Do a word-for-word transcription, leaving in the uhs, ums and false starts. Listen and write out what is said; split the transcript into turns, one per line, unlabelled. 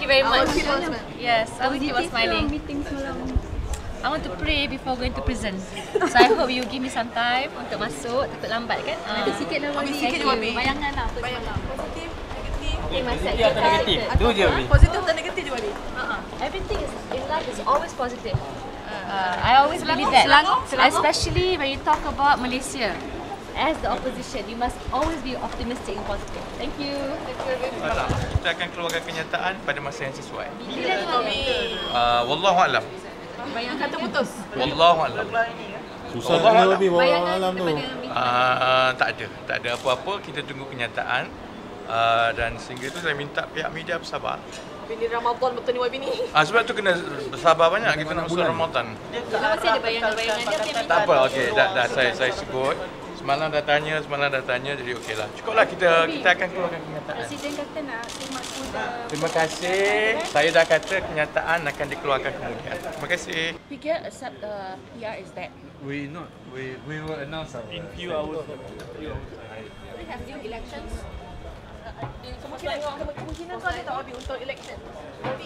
you very much.
Our announcement.
Yes, I will keep on smiling. I want to pray before going to prison. So I hope you give me some time untuk masuk, takut lambat kan?
Nanti sikit lah Wabi.
Sikit je Wabi.
Bayangan lah.
Bayangan. Positif, negatif.
Okay, Masih
Positif atau negatif? Dua je Wabi.
Positif atau negatif je Wabi?
Everything is in life is always positive. Uh, I always believe that.
Selangor? Selangor?
Especially when you talk about Malaysia. As the opposition, you must always be optimistic and positive. Thank you.
Tak, kita akan keluarkan kenyataan pada masa yang sesuai.
Bila tu Wabi?
Uh, Wallahu a'lam.
Bayangan kata putus.
Wallahu a'lam.
Susah nak lebih bawa malam tu.
Uh, tak ada, tak ada apa-apa. Kita tunggu kenyataan. Uh, dan sehingga itu saya minta pihak media bersabar.
Ini Ramadan betul ni Wabi ni.
Uh, sebab tu kena bersabar banyak kita nak masuk Ramadan.
Kalau masih ada bayangan-bayangan dia, dia minta.
Tak apa, okey, dah, dah saya saya sebut. Semalam dah tanya, semalam dah tanya, jadi okeylah. Cukuplah kita kita akan keluarkan kenyataan.
Presiden kata nak terima muda.
Terima kasih. Saya dah kata kenyataan akan dikeluarkan kemudian. Terima kasih.
We can accept the P R is that.
We not. We we will announce our.
In few hours.
We have new elections.
Kemungkinan kemungkinan kau ada tak Wabi untuk election?